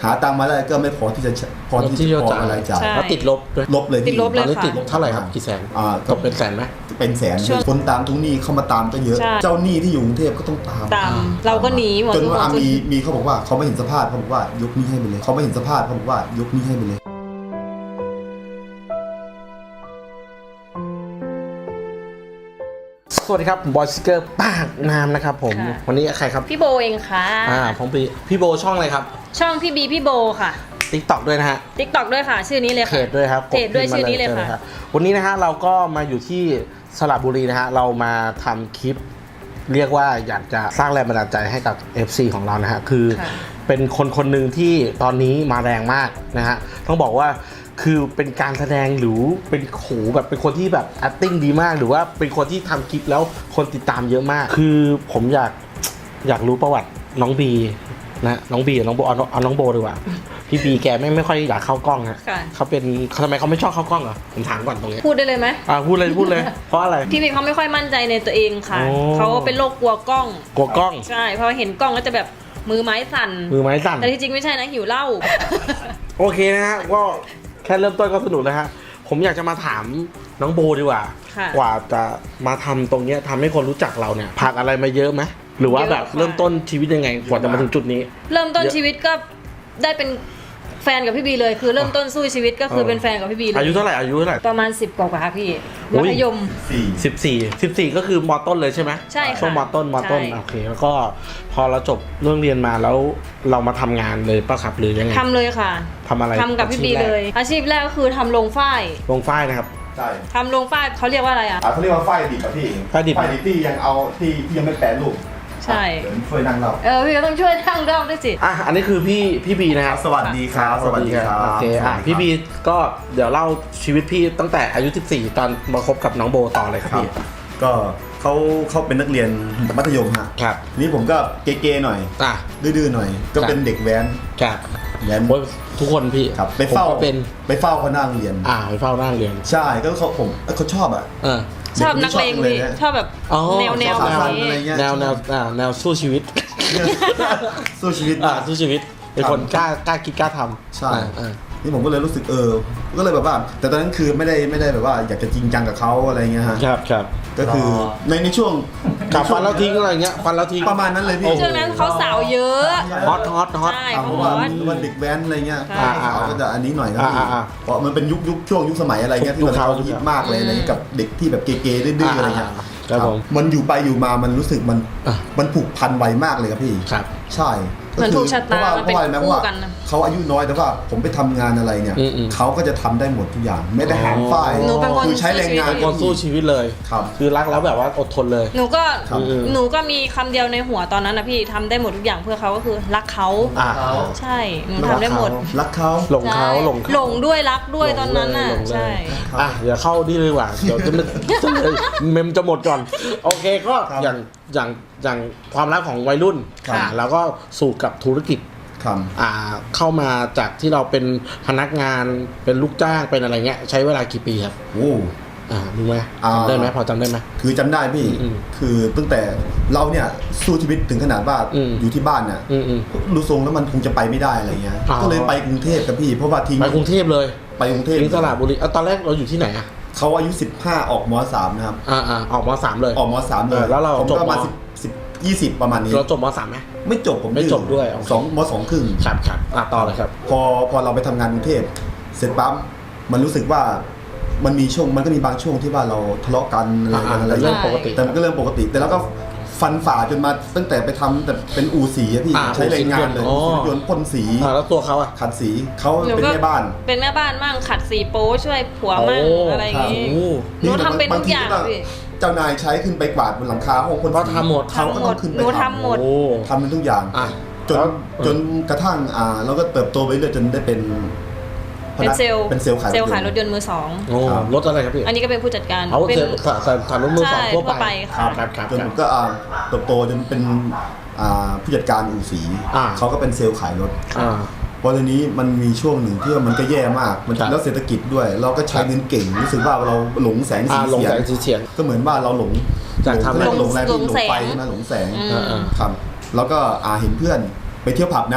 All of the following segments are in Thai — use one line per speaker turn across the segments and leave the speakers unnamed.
หาตังค์มาได้ก็ไม่พอที่จะพออะไรจ่าย
แล้วติดลบด้วย
ลบเลย
ติดลบเลย
ตอนนี้ติดลบเท่าไหร่ครับกี่แสนตกเป็นแสนไหม
เป็นแสนคนตามทุกหนี้เข้ามาตามก็เยอะเจ้าหนี้ที่อยู่กรุงเทพก็ต้องตาม
เราก็หนีหมด
จนว่ามีเขาบอกว่าเขาไม่เห็นสภาพเขาบอกว่ายกหนี้ให้ไปเลยเขาไม่เห็นสภาพเขาบอกว่ายกหนี้ให้ไปเลย
สวัสดีครับบอยสเกอร์ปากน้ำนะครับผมวันนี้ใครครับ
พี่โบเองค่ะ
ผมพี่โบช่องอะไรครับ
ช่องพี่บีพี่โบค่ะ
TikTok ด้วยนะฮะ
TikTok ด้วยค่ะชื่อนี้เลยค่ะ
เพจด้วยครับ
เพจด้วยชื่อนี้เลยค่ะ
วันนี้นะฮะเราก็มาอยู่ที่สระบุรีนะฮะเรามาทำคลิปเรียกว่าอยากจะสร้างแรงบันดาลใจให้กับ FC ของเรานะฮะคือเป็นคนหนึ่งที่ตอนนี้มาแรงมากนะฮะต้องบอกว่าคือเป็นการแสดงหรือเป็นโขแบบเป็นคนที่แบบ acting ดีมากหรือว่าเป็นคนที่ทำคลิปแล้วคนติดตามเยอะมากคือผมอยากรู้ประวัติน้องบีนะน้องบีน้องโบเอาน้องโบดีกว่าพี่บีแกไม่ค่อยอยากเข้ากล้องฮะเขาเป็นทำไมเขาไม่ชอบเข้ากล้องเหรอผมถามก่อนตรงนี้
พูดได้เลยไหม
พูดเลยเพราะอะไร
พี่บีเขาไม่ค่อยมั่นใจในตัวเองค่ะเขาเป็นโรคกลัวกล้องใช่เพราะเห็นกล้องก็จะแบบมือไม้สั่นแต่ที่จริงไม่ใช่นะหิวเหล้า
โอเคนะฮะก็แค่เริ่มต้นก็สนุกแล้วฮะผมอยากจะมาถามน้องโบดีกว่ากว่าจะมาทำตรงนี้ทำให้คนรู้จักเราเนี่ยผ่านอะไรมาเยอะไหมหรือว่าแบบเริ่มต้นชีวิตยังไงกว่าจะมาถึงจุดนี้
เริ่มต้นชีวิตก็ได้เป็นแฟนกับพี่บีเลยคือเริ่มต้นสู้ชีวิตก็คือเป็นแฟนกับพี่บีเลย
อายุเท่าไหร่
ประมาณ10กว่าพี่มัธยม
14ก็คือม.ต้นเลยใช่ไหม
ใช่ค่ะ
ช่วงม.ต้นโอเคแล้วก็พอเราจบเรื่องเรียนมาแล้วเรามาทำงานเลยป่ะครับหรือยังไง
ทำเลยค่ะ
ทำอะไร
ทำกับพี่บีเลยอาชีพแรกก็คือทำโรงฝ้าย
นะครับ
ใช่
ทำโรงฝ้ายเขาเรียกว่าอะไร
เขาเรียกว่าฝ้ายดิบครับพี่ฝ้ายดิบที่ยังเอาที่ยังไม่แปรรูป
ใช่
ช่วยนั่งเรา
พี่ก็ต้องช่วยนั่งเราด้วยสิ
อันนี้คือพี่บีนะครับ
สวัสดีครับ
โอเคพี่บีก็เดี๋ยวเล่าชีวิตพี่ตั้งแต่อายุ14ตอนมาคบกับน้องโบต่อเลยครับพี่
ก็เขาเป็นนักเรียนมัธยมฮะ
ครับ
นี่ผมก็เก๋ๆหน่อยดื้อๆหน่อยก็เป็นเด็กแว้น
ครับ
แว้น
ทุกคนพี่
ครับไปเฝ้าเขานั่งเรียน
ไปเฝ้านั่งเรียน
ใช่ก็เขาชอบ
ชอบนักเลงพี่ชอบแบบแนว
แนวสู้ชีวิต
สู้ชีวิต
เป็นคนกล้าคิดกล้าทำ
ใช่นี่ผมก็เลยรู้สึกก็เลยแบบว่าแต่ตอนนั้นคือไม่ได้แบบว่าอยากจะจริงจังกับเขาอะไรเงี้ยฮะ
ครับ
ก็คือในช่วง
กับฟันแล้วทิ้งอะไรเงี้ยฟันแล้วทิ้ง
ประมาณนั้นเลยพี่
ช่วงนั้นเขาสาวเยอะ
ฮอต
ใช่เพ
ราะว่าเด็กแว้นอะไรเงี้ยเขาก็จะอันนี้หน่อยนะเพราะมันเป็นช่วงยุคสมัยอะไรเงี้ยที่เราฮิตมากเลยอะไรกับเด็กที่แบบเก๋ๆดื้อๆอะไรเงี้ยมันอยู่ไปอยู่มามันรู้สึกมันผูกพันไวมากเลยครับพี่ใช่
เหมือนถูกชะตามันเป็นคู่กัน
เขาอายุน้อยแต่ว่าผมไปทำงานอะไรเนี่ยเขาก็จะทำได้หมดทุกอย่างไม่ได้หามฝ้ายคือใช้แรงงาน
คนสู้ชีวิตเลยคือรักแล้วแบบว่าอดทนเลย
หนูก็มีคำเดียวในหัวตอนนั้นนะพี่ทำได้หมดทุกอย่างเพื่อเขาก็คือรักเขาใช่หนูทำได้หมด
รักเขา
หลงเขา
หลงด้วยรักด้วยตอนนั้นน่ะใช่
อย่าเข้าดีเลยว่ะเดี๋ยวจะเมมจะหมดก่อนโอเคก็อย่างความรักของวัยรุ่นแล้วก็สู่กับธุรกิจเข้ามาจากที่เราเป็นพนักงานเป็นลูกจ้างเป็นอะไรเงี้ยใช้เวลากี่ปีครับรู้ไหมจำได้ไหมพอจำได้ไหม
คือจำได้พี่คือตั้งแต่เราเนี่ยสู้ชีวิตถึงขนาดว่าอยู่ที่บ้านเนี่ยดูทรงแล้วมันคงจะไปไม่ได้อะไรเงี้ยก็เลยไปกรุงเทพกับพี่เพราะว่าทิ้ง
ไปกรุงเทพเลย
ไปกรุงเทพ
ทิ้งสระบุรีตอนแรกเราอยู่ที่ไหน
เขาอายุ15ออกม.3นะครับ
ออกม.3เลย
ออกม.3เลย
แล้วเรา
จบมา20ประมาณนี้
เราจบม.3ไหม
ไม่จบผม
ไม่จบด้วย
ม.2 ครึ่ง
ครับต่อเลยครับ
พอเราไปทำงานกรุงเทพเสร็จปั๊บมันรู้สึกว่ามันก็มีบางช่วงที่ว่าเราทะเลาะกันอะไร
เรื่องปกติ
แต่มันก็เรื่องปกติแต่แล้วก็ฟันฝ่าจนมาตั้งแต่ไปทำแต่เป็นอู่สีพี่ใช้แรงงานเลยยนต์พ่นสี
แล้วตัวเขา
ขัดสีเขาเป็นแม่บ้าน
มั่งขัดสีโป๊ช่วยผัวมั่งอะไรอย่างงี้หนูทำเป็นทุกอย่างพี่
เจ้านายใช้ขึ้นไปกวาดบนหลังคาห้องคน
ก็ทำหมด
เขาก็ต้องขึ้นไป
ทำหมด
ทำเป็นทุกอย่างจนกระทั่งเราก็เติบโตไปเรื่อยจนได้เป็น
เซลล์ขายรถยนต์มือ2
รถอะไรครับพี่
อันนี้ก็เป็นผู้จัดการ
เป็นขายรถมือ2ทั่วไป
จนก็เติบโตจนเป็นผู้จัดการอู่สีเขาก็เป็นเซลล์ขายรถพอทีนี้มันมีช่วงหนึ่งที่มันก็แย่มากมันแล้วเศรษฐกิจด้วยเราก็ใช้เงินเก่งรู้สึกว่าเราหลงแสงสีเสียงก็เหมือนว่าเราหลง
หลง
ไฟใช่ไหมหลงแสงครับแล้วก็เห็นเพื่อนไปเที่ยวผับนะ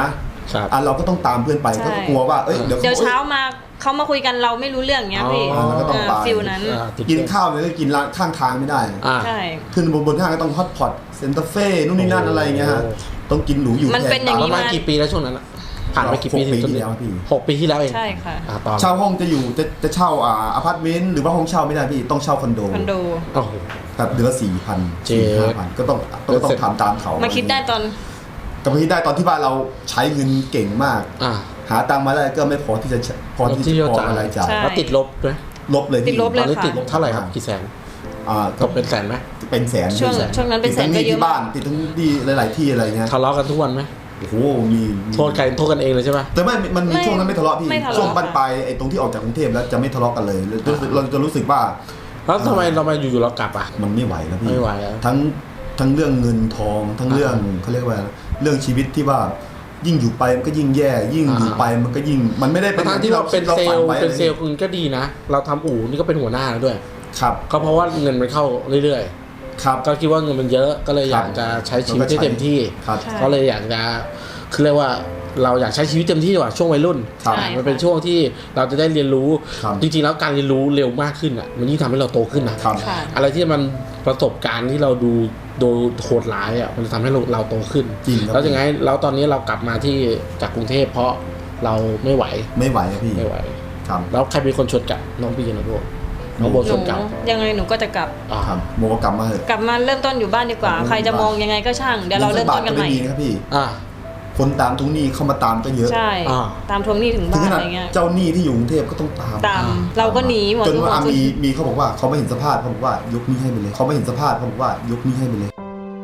เราก็ต้องตามเพื่อนไปก็กลัวว่าเดี๋ยว
เช้ามาเขามาคุยกันเราไม่รู้เรื่องเงี้ยพี่
เราก็ต้องไป
ฟิลนั้น
กินข้าวเลยก็กินร้านข้างทางไม่ได้
ใช่
ขึ้นบนห้างก็ต้องฮอตพอตเซ็นเตอร์เฟ่นู่นนี่นั่นอะไรเงี้ยฮะต้องกินหรูอยู่
มันเป็นอย่างนี้
มากี่ปีแล้วช่วงนั้นผ่านไปกี่ปี
ที่แล้วพี่
6 ปีที่แล้วเอง
ใช่ค่ะ
เช่าห้องจะอยู่จะเช่าอพาร์ตเมนต์หรือว่าห้องเช่าไม่ได้พี่ต้องเช่าคอนโดครับเดือนละ4,000-5,000ก็ต้องทำตามเขา
มาคิดได้ตอน
ที่บ้านเราใช้เงินเก่งมากหาตังค์มาได้ก็ไม่พอที่จะพออะไรจ่าย
แล้วติดลบด้วย
ลบเลย
ติดลบเลยค่ะ
ติดเท่าไหร่ครับกี่แสนตกเป็นแสนไหม
เป็นแสน
ช่วงนั้นเป็นแสนก็เยอะ
ที่บ้านติดทั้งที่หลายๆที่อะไรเงี้ย
ทะเลาะกันทุกวันไหม
โอ้โหมี
โทษกันเองเลยใช่ไหม
แต่มันมีช่วงนั้นไม่ทะเลาะพี่ช่วงบ้านปลายตรงที่ออกจากกรุงเทพแล้วจะไม่ทะเลาะกันเลยเราจะรู้สึกว่า
แล้วทำไมเรามาอยู่ๆเรากลับ
มันไม่ไหวแล้วพี่
ไม่ไหว
ทั้งเรื่องเงินทองทั้งเรื่องเขาเรียกว่าเรื่องชีวิตที่ว่ายิ่งอยู่ไปมันก็ยิ่งแย่ยิ่งอยู่ไปมันก็ยิ่งมันไม่ได้เป็น
ที่เราเป็นเซลล์คุณก็ดีนะเราทำอู่นี่ก็เป็นหัวหน้าแล้วด้วย
ครับ
ก็เพราะว่าเงินมันเข้าเรื่อยๆครับก็คิดว่าเงินมันเยอะก็เลยอยากจะใช้ชีวิตให้เต็มที่ก็เลยอยากจะคือเรียกว่าเราอยากใช้ชีวิตเต็มที่ดีกว่าช่วงวัยรุ่นมันเป็นช่วงที่เราจะได้เรียนรู้จริงๆแล้วการเรียนรู้เร็วมากขึ้นมันยิ่งทำให้เราโตขึ้นนะอะไรที่มันประสบการณ์ที่เราดูโดยโหดร้ายมันจะทำให้เราโตขึ้นแล้วยังไงแล้วตอนนี้เรากลับมาที่จากกรุงเทพเพราะเราไม่ไหว
ครับพี่
ไม่ไหวแล้วใครเป็นคนชวนกลับน้องพี่นะพวกน้องโบชวนกลับ
ยังไงหนูก็จะกลับ
ครับโบก็กลับมาเถอะ
กลับมาเริ่มต้นอยู่บ้านดีกว่าใครจะมองยังไงก็ช่างเดี๋ยวเราเริ่มต้นกันใหม่
ครับพี่คนตามทวงหนี้เข้ามาตามก็เยอะ
ใช่ตามทวงหนี้ถึงบ้านอะไรเงี้ย
เจ้าหนี้ที่อยู่กรุงเทพก็ต้องตาม
เราก็หนีหมด
จนว่ามีเขาบอกว่าเขาไม่เห็นสภาพเขาบอกว่ายกหนี้ให้ไปเลยเขาไม่เห็นสภาพเขาบอกว่ายกหนี้ให้ไปเลย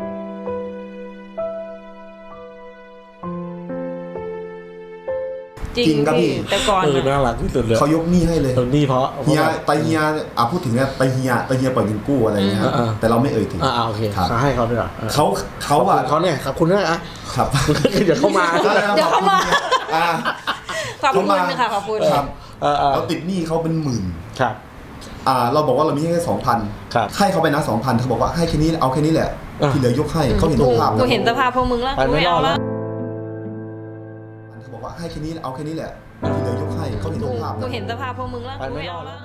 จริงครับพี่แต่ก่อน
น่ารักที่สุดเลย
เขายกหนี้ให้เลย
หนี้เพราะ
เฮียพูดถึงเนี่ยเฮียปล่อยเงินกู้อะไรเงี้ยแต่เราไม่เอ่ยถึง
โอเคเขาให้เขาด้วย
เขา
เนี่ยครับคุณด้วย
ครับ
เดี๋ยวเข้ามา
ขอบคุณค่ะขอบคุณ
ครับเราติดหนี้เขาเป็นหมื่น
ครับ
เราบอกว่าเรามีแค่2,000ให้เขาไปนะ2,000เขาบอกว่าให้แค่นี้เอาแค่นี้แหละที่เหลือยกให้เขาเห็นสภาพ
กูเห็นสภาพพวกมึงแล้วกูไม่เอาแล้ว
เขาบอกว่าให้แค่นี้เอาแค่นี้แหละที่เหลือยกให้เขาเห็นสภาพ
กูเห็นสภาพพวกมึงแล้วกูไม่เอาแล้ว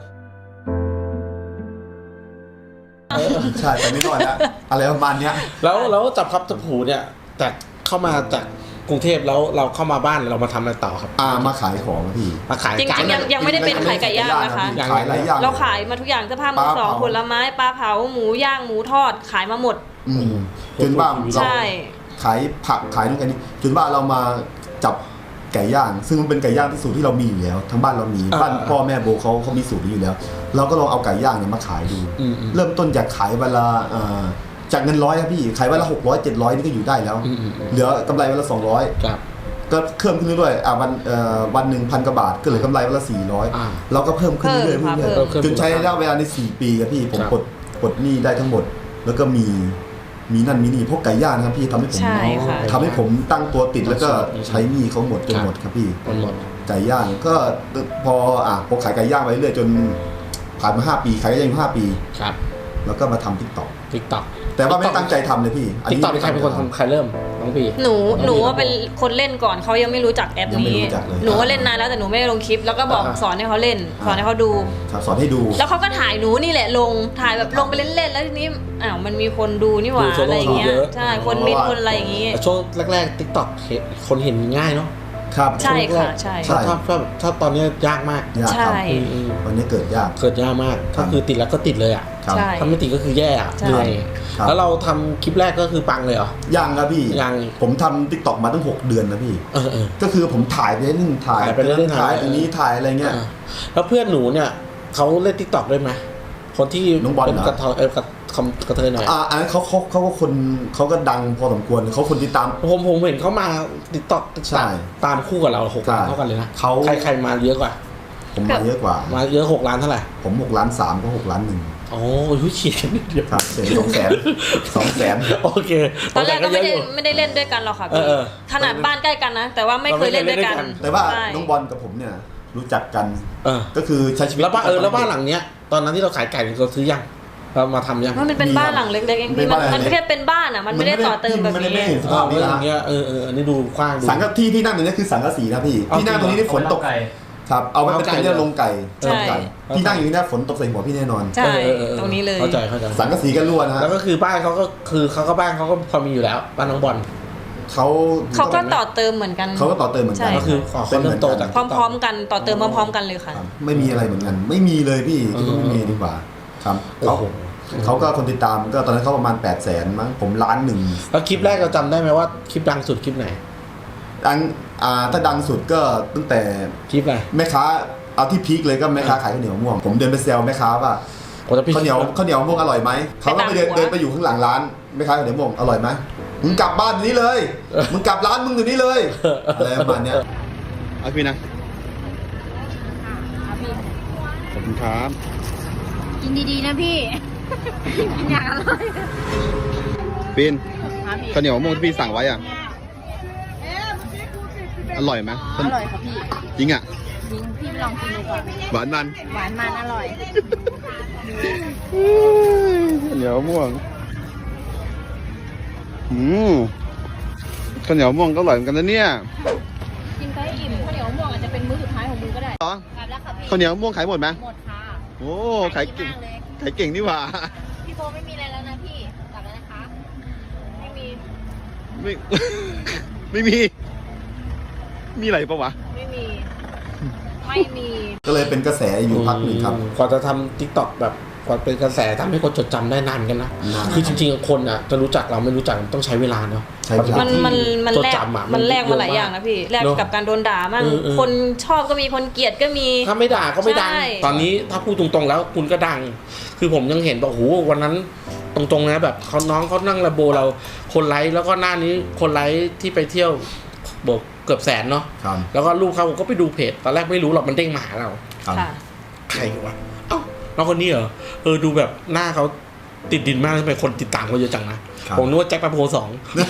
ใช่แต่ไม่น้อยแล้วอะไรประมาณนี้
แล้วจับครับจับหูเนี่ยแต่เข้ามาจากกรุงเทพแล้วเราเข้ามาบ้านเรามาทำอะไรต่อครับ
มาขายของพี่
มาขาย
จริงๆยังไม่ได้เป็นขายไก่ย่างนะคะ
ขายหลายอย่าง
เราขายมาทุกอย่างเสื้อผ้ามือสองผลไม้ปลาเผาหมูย่างหมูทอดขายมาหมด
จนบ้านเราขายผักขายนู่นกันนี่จนบ้านเรามาจับไก่ย่างซึ่งมันเป็นไก่ย่างที่สูตรที่เรามีอยู่แล้วทั้งบ้านเรามีบ้านพ่อแม่โบเขามีสูตรนี้อยู่แล้วเราก็ลองเอาไก่ย่างเนี่ยมาขายดูเริ่มต้นจากขายเวลาจากเงิน100ครับพี่ขายวันละ600-700นี่ก็อยู่ได้แล้วเหลือกำไรวันละ200ก็เพิ่มขึ้นเรื่อยๆวันหนึ่ง1,000 กว่าบาทก็เหลือกำไรวันละ400เราก็เพิ่มขึ้นเรื่อยๆจนใช้ระยะเวลาใน4 ปีครับพี่ผมปลดหนี้ได้ทั้งหมดแล้วก็มีนั่นมีนี่พวกไก่ย่างนะครับพี่ทำให้ผมตั้งตัวติดแล้วก็ใช้หนี้เขาหมดจนหมดครับพี่ไก่ย่างก็พอขายไก่ย่างไปเรื่อยจนผ่านมา5 ปีขายไก่ย่าง5 ปีแล้วก็มาทำ TikTok แต่ว่าไม่ตั้งใจทำเลยพี่
TikTok ใครเป็นคนทำใครเริ่มน้องพี่
หนูว่าเป็นคนเล่นก่อนเขายังไม่รู้จักแอปนี้หนูว่าเล่นนานแล้วแต่หนูไม่ได้ลงคลิปแล้วก็บอกสอนให้เขาเล่นสอนให้เขาดู
สอนให้ดู
แล้วเขาก็ถ่ายหนูนี่แหละถ่ายแบบลงไปเล่นๆแล้วทีนี้มันมีคนดูนี่หว่าอะไรอย่างเงี้ยใช่คนมินคนอะไรอย่างงี้
ช่วงแรกๆ TikTok คนเห็นง่ายเนาะ
ครับ
ใช่ค่ะใช่
ถ้าตอนนี้ยากมาก
ใช่
ตอนนี้เกิดยาก
มากถ้าคือติดแล้วก็ติดเลยถ้าไม่ติดก็คือแย่เหนื่อยแล้วเราทำคลิปแรกก็คือปังเลยเหรอ
ยังครับพี่ผมทำ TikTok มาตั้ง6 เดือนนะพี่ก็คือผมถ่ายไปเรื่อยๆถ่ายไปเรื่อยๆถ่ายตรงนี้ถ่ายอะไรเงี้ย
แล้วเพื่อนหนูเนี่ยเขาเล่น TikTok ด้วยไหมคนที่เป็นกระเทยหน่อย
อันนั้นเขาก็คนเขาก็ดังพอสมควรเขาคนติดตาม
ผมเห็นเขามา TikTok ตามคู่กับเรา6 ล้านเท่ากันเลยนะใครมาเยอะกว่า
ผมมาเยอะกว่า
มาเยอะ6 ล้านเท่าไหร่
ผม6.3 ล้านก็6.1 ล้าน
โอ้ยเฉียดนิดเดียว
ครับเสีย200,000
โอเค
ตอนแรกก็ไม่ได้เล่นด้วยกันหรอกค่ะขนาดบ้านใกล้กันนะแต่ว่าไม่เคยเล่นด้วยกัน
แต่ว่าน้องบอลกับผมเนี่ยรู้จักกันก็คือใช้ชีวิต
แล้วบ้านหลังเนี้ยตอนนั้นที่เราขายไก่เราซื้อยังเรามาทำยัง
มันเป็นบ้านหลังเล็กๆเองพี่มันแค่เป็นบ้านอ่ะมันไม่ได้ต่อเติมแบบนี้
อย่างเงี้ยอันนี้ดูกว้างดู
สังกะที่นั่งตรงนี้คือสังกะสีนะพี่ที่นั่งตรงนี้นี่ฝนตกครับเอาไว้เป็นเรื่องลงไก่ที่นั่งอยู่นี่ฝนตกใส่หัวพี่แน่นอน
ใช่ตรงนี้เลย
เข้าใจ
สังกะสีก็รั่วนะ
แล้วก็คือบ้านเขาก็บ้านเขาก็พอมีอยู่แล้วบ้านน้องบอล
เขาก็ต่อเติมเหมือนกัน
เขาก็ต่อเติมเหมือนกัน
ก็คือคนเริ่มโตจาก
พร้อมๆกันต่อเติมพร้อมๆกันเลยค่ะ
ไม่มีอะไรเหมือนกันไม่มีเลยพี่ไม่มีดีกว่าครับเขาก็คนติดตามก็ตอนนั้นเขาประมาณ 800,000 มั้งผม1,000,000
แล้วคลิปแรกเราจำได้ไหมว่าคลิปดังสุดคลิปไหน
ดังถ้าดังสุดก็ตั้งแต่
คลิปอะไร
แม่ค้าเอาที่พีคเลยก็แม่ค้าขายข้าวเหนียวมะม่วงผมเดินไปแซวแม่ค้าว่าข้าวเหนียวมะม่วงอร่อยไหมเขาก็ไปเดินไปอยู่ข้างหลังร้านแม่ค้าข้าวเหนียวมะม่วงอร่อยไหมมึงกลับบ้านนี้เลยมึงกลับร้านมึงอยู่นี่เลยอะไรประมาณนี้เอาพี่นะขอบคุณครับ
กินดีๆนะพี่กินอย่างอร่อย
ปีนข้าวเหนียวมะม่วงที่พี่สั่งไว้อร่อยไหม
อร่อยครับพี่
จริงอ่ะ
จริงพี่ลองกินดูก่อน
หวานมัน
อร่อย
ข้าวเหนียวมะม่วงข้าวเหนียวม่วงก็อร่อยเหมือนกันนะเนี่ย
กินไปอิ่มข้าวเหนียวม่วงอาจจะเป็นมื้อสุดท้ายของมึงก็ได้
ข้าวเหนียวม่วงขายหมดไหม
หมดค่ะ
โอ้ขายเก่งนี่หว่า
พี่โบไม่มีอะไรแล้วนะพี่กลับแล้วนะคะไม่มี
อะไรปะวะ
ไม่มี
ก็เลยเป็นกระแสอยู่พักหนึ่งครับ
กว่าจะทำ TikTok แบบกว่าเป็นกระแสทำให้คนจดจำได้นานกันนะคือจริงๆคนอ่ะจะรู้จักเราไม่รู้จักต้องใช้เวลาเนาะ
มันแลกมาหลายอย่างนะพี่แลกกับการโดนด่ามั่งคนชอบก็มีคนเกลียดก็มี
ถ้าไม่ด่าก็ไม่ดังตอนนี้ถ้าพูดตรงๆแล้วคุณก็ดังคือผมยังเห็นบอกโหวันนั้นตรงๆนะแบบน้องเขานั่งระโบเราคนไลค์แล้วก็หน้านี้คนไลค์ที่ไปเที่ยวบอกเกือบ100,000เนาะแล้วก็ลูกเขาก็ไปดูเพจตอนแรกไม่รู้หรอกมันเด้งมาหาเราใครวะเอ้าน้องคนนี้เหรอดูแบบหน้าเขาติดดินมากทำไมคนติดตามเขาเยอะจังนะผมนึกว่าแจ็คแป๊บโฮ2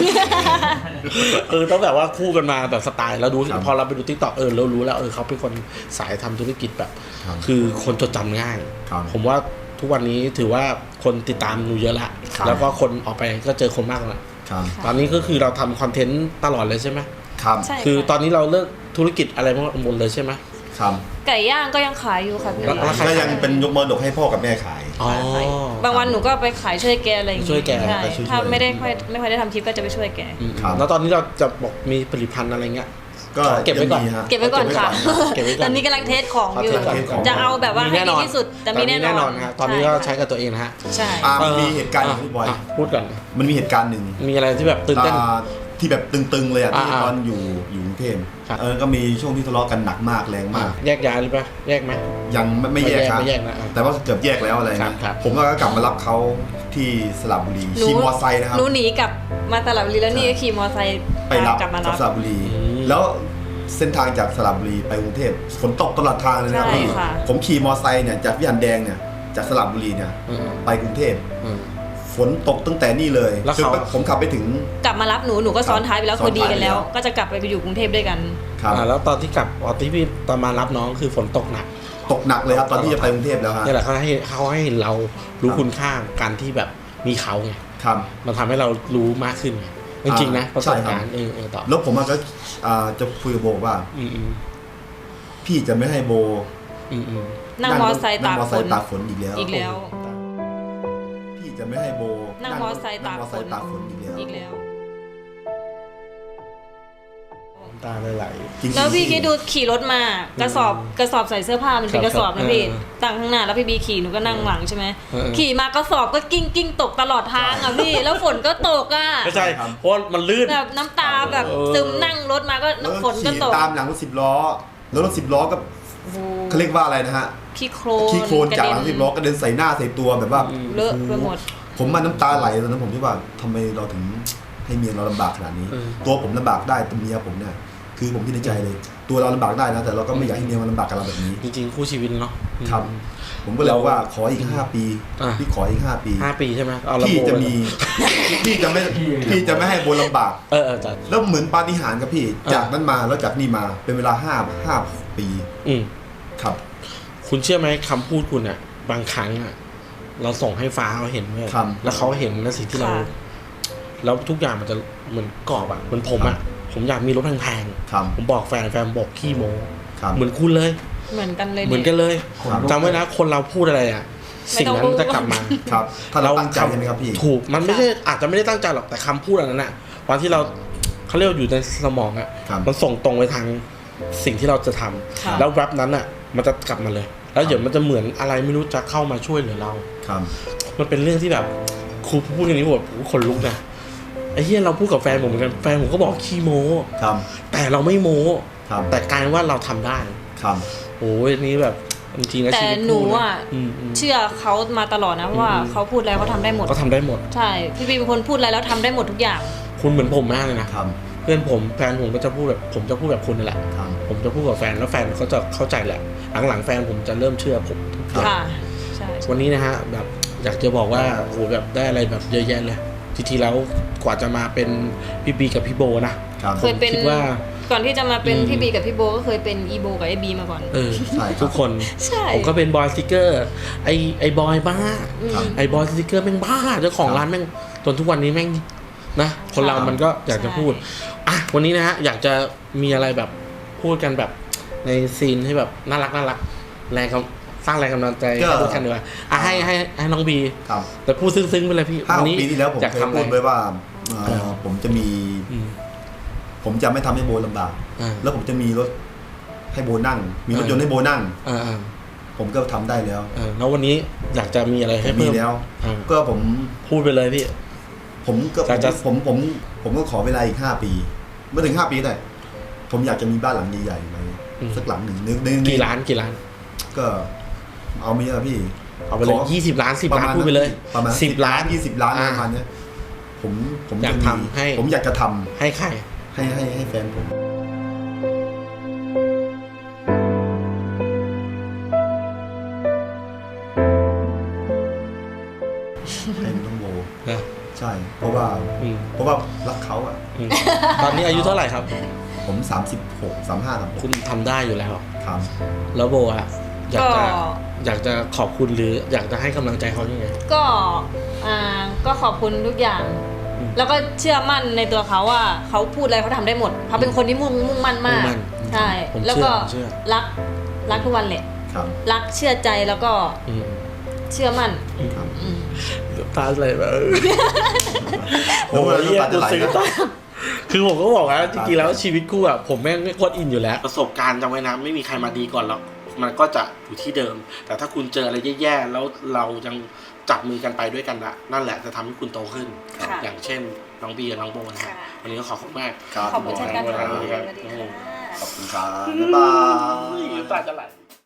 ต้องแบบว่าคู่กันมาแบบสไตล์แล้วดูพอเราไปดู TikTok เรารู้แล้วเขาเป็นคนสายทำธุรกิจแบบคือคนจดจำง่ายผมว่าทุกวันนี้ถือว่าคนติดตามหนูเยอะละแล้วก็คนออกไปก็เจอคนมากแล้วตอนนี้ก็คือเราทำคอนเทนต์ตลอดเลยใช่ไหม
ครับ
คือตอนนี้เราเลิกธุรกิจอะไรหมดเลยใช่ไหม
ครับ
ไก่ย่างก็ยังขายอยู่ค่ะพี่
ก็ยังเป็นยกมรดกให้พ่อกับแม่ขาย
บางวันหนูก็ไปขายช่วยแกอะไรอย่างเงี้ยช่วยแกถ้าไม่ค่อยได้ทำคลิปก็จะไปช่วยแก
แล้วตอนนี้เราจะบอกมีผลิตภัณฑ์อะไรเงี้ย
ก็เก็บไว้ก่อน
ค่ะตอนนี้กำลังเทสของอยู่จะเอาแบบว่าให้ดีที่สุดแต่มีแน่นอน
ครับตอนนี้ก็ใช้กับตัวเองนะฮะ
ใช่
มีเหตุการณ์ที่บอย
พูดก่อน
มันมีเหตุการณ์หนึ่ง
มีอะไรที่แบบตื่นเต้น
ที่แบบตึงๆเลยที่ตอนอยู่กรุงเทพก็มีช่วงที่ทะเลาะกันหนักมากแรงมาก
แยกย้ายหรือเปล่าแยกไหม
ยังไม่แยกครับแต่ว่าเกือบแยกแล้วอะไรนะผมก็กลับมารับเขาที่สระบุรีขี่มอไซค์นะครับ
หนูหนีกลับมาสระบุรีแล้วนี่ก็ขี่มอไซค์
ไปรับจากสระบุรีแล้วเส้นทางจากสระบุรีไปกรุงเทพฝนตกตลอดทางเลยนะพี่ผมขี่มอไซค์เนี่ยจากวิหารแดงเนี่ยจากสระบุรีเนี่ยไปกรุงเทพฝนตกตั้งแต่นี่เลยจนผมขับไปถึง
กลับมารับหนูก็ซ้อนท้ายไปแล้วคือดีกันแล้วก็จะกลับไปอยู่กรุงเทพด้วยกัน
ครับแล้วตอนที่กลับที่พี่ตอนมารับน้องคือฝนตกหนัก
เลยครับตอนที่จะไปกรุงเทพแล้วฮะ
นี่แหละเขาให้เห็นเรารู้คุณค่าการที่แบบมีเขาไงมันทำให้เรารู้มากขึ้นไงจริงๆนะประสบการณ์ต่อ
แล้วผมก็จะคุยกับโบว่าพี่จะไม่ให้โบ
นั่งมอไซค์ตาก
ฝนอีกแล้วพี่จะไม่ให้โบ
นั่งมอไซค์ตากฝนอีกแล้ว
ตาไหล
แล้วพี่คิดดูขี่รถมากระสอบใส่เสื้อผ้ามันเป็นกระสอบนะพี่ตั้งข้างหน้าแล้วพี่บีขี่หนูก็นั่งหลังใช่ไหมขี่มากระสอบก็กิ้งตกตลอดทางอ่ะพี่แล้วฝนก็ตกอ่ะ
ใช่เพราะมันลื่น
แบบน้ำตาแบบซึมนั่งรถมาก็ฝนก็ตก
ตามหลังรถ10 ล้อแล้วรถ10 ล้อก็เขาเรียกว่าอะไรนะฮะ
ขี้โคลน
จากหลัง10 ล้อกระเด็นใส่หน้าใส่ตัวแบบว่า
เลอะไปหมด
ผมมาน้ำตาไหลตอนนั้นผมคิดว่าทำไมเราถึงให้เมียเราลำบากขนาดนี้ตัวผมลำบากได้แต่เมียผมเนี่ยคือผมคิดในใจเลยตัวเราลำบากได้นะแต่เราก็ไม่อยากให้เมียมันลำบากกับเราแบบนี้
จริงๆคู่ชีวิตเนาะ
ครับผมก็เลยว่าขออีก5 ปีพี่ขออีก5 ปี
5 ปีใช่ไหม
พี่จะมีพี่จะไม่ให้โบลำบากแล้วเหมือนปาฏิหาริย์กับพี่จากนั้นมาแล้วจากนี่มาเป็นเวลา5 ปีครับ
คุณเชื่อไหมคำพูดคุณอ่ะบางครั้งอ่ะเราส่งให้ฟ้าเขาเห็นด้วย
ครับ
แล้วเขาเห็นในสิ่งที่เรา
ค่ะ
แล้วทุกอย่างมันจะเหมือนกรอบอะเหมือนผมอะผมอยากมีรถแพง
ครับ
ๆผมบอกแฟนบอกขี้โม้
ครับ
เหมือนคุณเลย
เหมือนกันเลย
เหมือนกันเลย
ครับ
จำไว้นะคนเราพูดอะไรอะ
ไม่
สิ่ง
ต้อง
นั้น
พูด
จะกลับมา
ครับถ้าเราตั้งใจใช่ไหมครับพี่
ถูกมันไม่ใช่อาจจะไม่ได้ตั้งใจหรอกแต่คำพูดอันนั้นอะวันที่เราเขาเรียกว่าอยู่ในสมองอะ
ครับ
มันส่งตรงไปทางสิ่งที่เราจะทำ
ค่ะ
แล้วแรปนั้นอะมันจะกลับมาเลย แล้วเดี๋ยวมันจะเหมือนอะไรไม่รู้จะเข้ามาช่วยเหลือเรา
ครับ
มันเป็นเรื่องที่แบบครูพูดอย่างนี้แบบขนลุกนะไอ้เหี้ยเราพูดกับแฟนผมเหมือนกันแฟนผมก็บอกขี้โม้
ครับ
แต่เราไม่โม้
ครับ
แต่กลายเป็นว่าเราทำได้
ครับ
โอ้ยอันนี้แบบจริงๆนะ
แต่
ชีวิต
หนู
คู่
อ่ะ
ม
เชื่อเขามาตลอดนะเพราะว่าเขาพูดอะไรเขาทำได้หมด
ก็ทำได้หมด
ใช่พี่บีเป็นคนพูดอะไรแล้วทำได้หมดทุกอย่าง
คุณเหมือนผมมากเลยนะ
ครับ
เพื่อนผมแฟนผมก็จะพูดแบบผมจะพูดแบบคุณนั่นแหละ
ครับ
ผมจะพูดกับแฟนแล้วแฟนเขาจะเข้าใจแหละ หลังๆแฟนผมจะเริ่มเชื่อผมทุกอย่าง
ค่ะใช่
วันนี้นะฮะแบบอยากจะบอกว่าโอ้โหแบบได้อะไรแบบเยอะแยะเลยจริงๆแล้วกว่าจะมาเป็นพี่บีกับพี่โบนะครับ
เคยเป็น
คิดว่า
ก่อนที่จะมาเป็น
อืม
พี่บีกับพี่โบก็เคยเป็นอีโบกับไอบีมาก่อน
ใช่ครับ
ทุกคน
ใช่
ผมก็เป็นบอยสติกเกอร์ไอ้บอยบ้า
ครับ
ไอ้บอยสติกเกอร์แม่งบ้าเจ้าของร้านแม่งจนทุกวันนี้แม่งนะคนเรามันก็อยากจะพูดอ่ะวันนี้นะฮะอยากจะมีอะไรแบบพูดกันแบบในซีนที่แบบน่ารักแรงสร้างแรงกำลังใจ
ก็
ให้ทุกท่านดีกว่าอ่ะให้น้องบี
ครับ
แต่พูดซึ้งๆไปเลยพี่
5
วันนี้
ปีที่แล้วผม
อยาก
เคย
ทำอะไร
พูดไว้ว่าผมจะมี
อืม
ผมจะไม่ทำให้โบลำบาก
อ่า
แล้วผมจะมีรถให้โบนั่ง มีรถยนต์ให้โบนั่ง
อ่า
ผมก็ทำได้แล้ว
แล้ววันนี้อยากจะมีอะไร
ผ
ให้
มมี
เพิ่ม
แล้ว
อ่า
ก็ผม
พูดไปเลยพี่
ผมก็
อยากจะ
ผมก็ขอเวลาอีก 5 ปีเมื่อถึง 5 ปีแต่ผมอยากจะมีบ้านหลังใหญ่ๆไหมสักหลังหนึ่งนึง
กี่ล้าน
ก็เอาไม่เยอะพี่
เอาไปเลย
ขอ
20 ล้าน 10 ล้าน
ประมาณ
พูดไปเลย
ประมาณ
10 ล้าน
20 ล้าน
อ่า
ประมาณเนี้ยผม
อยาก
จะมี
ทำให้
ผมอยากจะทำ
ให้ใคร
ให้แฟนผม ให้น้องโบ
นะ
ใช่ เพราะว่า
อืม
รักเขาอ่ะ
อืมตอนนี้อายุเท่าไหร่ครับ
ผม 36 35ครับ
คุณทำได้อยู่แล้ว
ครับ
แล้วโบอะอยาก
ก็
อยากจะขอบคุณหรืออยากจะให้กำลังใจเขายังไง
ก็ขอบคุณทุกอย่าง
อืม
แล้วก็เชื่อมั่นในตัวเขาว่าเขาพูดอะไรเขาทำได้หมดเขาเป็นคนที่มุ่งมั่นมาก
มุ่งมั่น
ใช่
ผม
แล้วก็
เชื่อ
รักทุกวันแหละ
ครับ
รักเชื่อใจแล้วก็
อืม
เชื่อมั่น
ครับ
อืม
ตาอะไรแบบ
โอ้โห
เหี้ย
น้ำตาจะไหล
ซึ้งตาคือผมก็บอกแล้วจริงๆแล้วชีวิตคู่อะผมแม่งไม่โคตรอินอยู่แล้ว ประสบการณ์จำไว้นะไม่มีใครมาดีก่อนหรอกมันก็จะอยู่ที่เดิม แต่ถ้าคุณเจออะไรแย่ๆแล้วเรายังจับมือกันไปด้วยกันละนั่นแหละจะทำให้คุณโตขึ้น
ค่ะ
อย่างเช่นน้องบีกับน้องโบนะฮะ
ค่ะ
วันนี้ก็ขอบคุณมาก
ครับ
ขอบคุณเช่นกันค่ะ
ขอบคุณครับ
สวัสดีค่ะ
ขอบคุณครับบ๊ายบาย
ตาจะไหล